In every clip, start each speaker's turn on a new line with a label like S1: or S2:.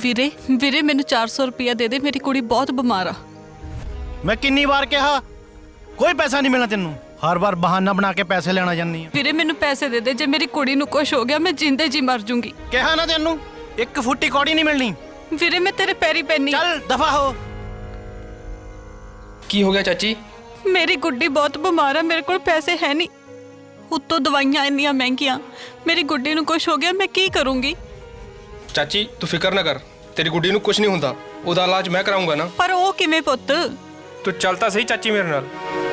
S1: ਵੀਰੇ ਵੀਰੇ ਮੈਨੂੰ 400 ਰੁਪਇਆ ਦੇ ਦੇ, ਮੇਰੀ ਕੁੜੀ ਬਹੁਤ ਬਿਮਾਰ ਆ।
S2: ਮੈਂ ਕਿੰਨੀ ਵਾਰ ਕਿਹਾ ਕੋਈ ਪੈਸਾ ਨਹੀਂ ਮਿਲਣਾ ਤੈਨੂੰ, ਹਰ ਵਾਰ ਬਹਾਨਾ ਬਣਾ ਕੇ ਪੈਸੇ ਲੈਣਾ ਜਾਂਦੀ ਆ।
S1: ਵੀਰੇ ਮੈਨੂੰ ਪੈਸੇ ਦੇ ਦੇ, ਜੇ ਮੇਰੀ ਕੁੜੀ ਨੂੰ ਕੁਝ ਹੋ ਗਿਆ ਮੈਂ ਜਿੰਦੇ ਜੀ ਮਰ ਜੂੰਗੀ।
S2: ਕਿਹਾ ਨਾ ਤੈਨੂੰ, ਇੱਕ ਫੁੱਟੀ ਕੌੜੀ ਨਹੀਂ ਮਿਲਣੀ।
S1: ਵੀਰੇ ਮੈਂ ਤੇਰੇ ਪੈਰੀ ਪੈਣੀ।
S2: ਚੱਲ ਦਫਾ ਹੋ।
S3: ਕੀ ਹੋ ਗਿਆ ਚਾਚੀ?
S1: ਮੇਰੀ ਗੁੱਡੀ ਬਹੁਤ ਬਿਮਾਰ ਆ, ਮੇਰੇ ਕੋਲ ਪੈਸੇ ਹੈ ਨਹੀਂ, ਉੱਤੋਂ ਦਵਾਈਆਂ ਇੰਨੀਆਂ ਮਹਿੰਗੀਆਂ, ਮੇਰੀ ਗੁੱਡੀ ਨੂੰ ਕੁਝ ਹੋ ਗਿਆ ਮੈਂ ਕੀ ਕਰੂੰਗੀ।
S3: ਚਾਚੀ ਤੂੰ ਫਿਕਰ ਨਾ ਕਰ, ਤੇਰੀ ਗੁੱਡੀ ਨੂੰ ਕੁਝ ਨਹੀਂ ਹੁੰਦਾ, ਉਹਦਾ ਇਲਾਜ ਮੈਂ ਕਰਾਉਂਗਾ ਨਾ।
S1: ਪਰ ਉਹ ਕਿਵੇਂ ਪੁੱਤ?
S3: ਤੂੰ ਚੱਲ ਤਾਂ ਸਹੀ ਚਾਚੀ ਮੇਰੇ ਨਾਲ।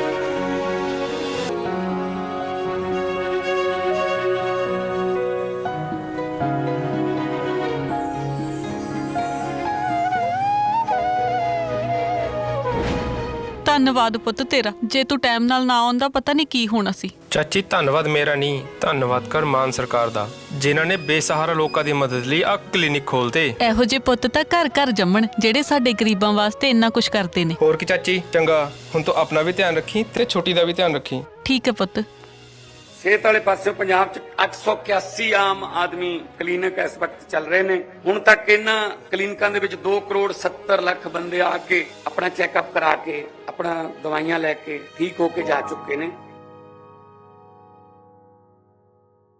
S1: ਧੰਨਵਾਦ ਪੁੱਤ ਤੇਰਾ, ਜੇ ਤੂੰ ਟਾਈਮ ਨਾਲ ਨਾ ਆਉਂਦਾ ਪਤਾ ਨਹੀਂ ਕੀ ਹੋਣਾ ਸੀ।
S3: ਚਾਚੀ ਧੰਨਵਾਦ ਮੇਰਾ ਨਹੀਂ, ਧੰਨਵਾਦ ਕਰ ਮਾਨ ਸਰਕਾਰ ਦਾ, ਜਿਨ੍ਹਾਂ ਨੇ ਬੇਸਹਾਰਾ ਲੋਕਾਂ ਦੀ ਮਦਦ ਲਈ ਆ ਕਲੀਨਿਕ ਖੋਲਤੇ।
S1: ਇਹੋ ਜਿਹੇ ਪੁੱਤ ਤਾਂ ਘਰ ਘਰ ਜੰਮਣ, ਜਿਹੜੇ ਸਾਡੇ ਗਰੀਬਾਂ ਵਾਸਤੇ ਇੰਨਾ ਕੁਝ ਕਰਦੇ ਨੇ।
S3: ਹੋਰ ਕੀ ਚਾਚੀ, ਚੰਗਾ ਹੁਣ ਤੂੰ ਆਪਣਾ ਵੀ ਧਿਆਨ ਰੱਖੀ ਤੇ ਛੋਟੀ ਦਾ ਵੀ ਧਿਆਨ ਰੱਖੀ।
S1: ਠੀਕ ਹੈ ਪੁੱਤ।
S4: ਸਿਹਤ ਵਾਲੇ ਪਾਸੇ ਪੰਜਾਬ 'ਚ 881 ਆਮ ਆਦਮੀ ਕਲੀਨਿਕ ਇਸ ਵਕਤ ਚੱਲ ਰਹੇ ਨੇ। ਹੁਣ ਤੱਕ ਇਹਨਾਂ ਕਲੀਨਿਕਾਂ ਦੇ ਵਿੱਚ 2 ਕਰੋੜ 70 ਲੱਖ ਬੰਦੇ ਆ ਕੇ ਆਪਣਾ ਚੈੱਕਅਪ ਕਰਾ ਕੇ ਆਪਣਾ ਦਵਾਈਆਂ ਲੈ ਕੇ ਠੀਕ ਹੋ ਕੇ ਜਾ ਚੁੱਕੇ ਨੇ।